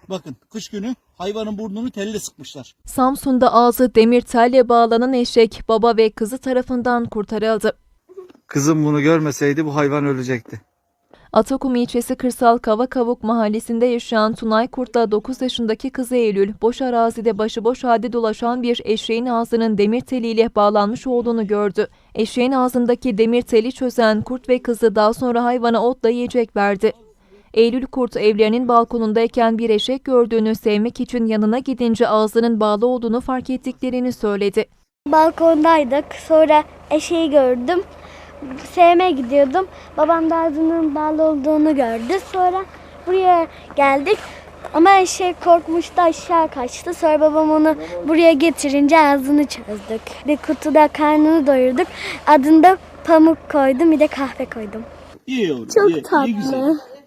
Bakın kış günü hayvanın burnunu telle sıkmışlar. Samsun'da ağzı demir telle bağlanan eşek baba ve kızı tarafından kurtarıldı. Kızım bunu görmeseydi bu hayvan ölecekti. Atakum ilçesi Kırsal Kavakavuk mahallesinde yaşayan Tunay Kurt'la 9 yaşındaki kızı Eylül, boş arazide başıboş halde dolaşan bir eşeğin ağzının demir teliyle bağlanmış olduğunu gördü. Eşeğin ağzındaki demir teli çözen Kurt ve kızı daha sonra hayvana otla yiyecek verdi. Eylül Kurt evlerinin balkonundayken bir eşek gördüğünü, sevmek için yanına gidince ağzının bağlı olduğunu fark ettiklerini söyledi. Balkondaydık. Sonra eşeği gördüm. Sevmeye gidiyordum. Babam da ağzının bağlı olduğunu gördü. Sonra buraya geldik. Ama eşek korkmuştu, aşağı kaçtı. Sonra babam onu buraya getirince ağzını çözdük. Bir kutuda karnını doyurduk. Adını da Pamuk koydum, bir de kahve koydum. İyi yavrum. Çok iyi, tatlı. iyi güzel.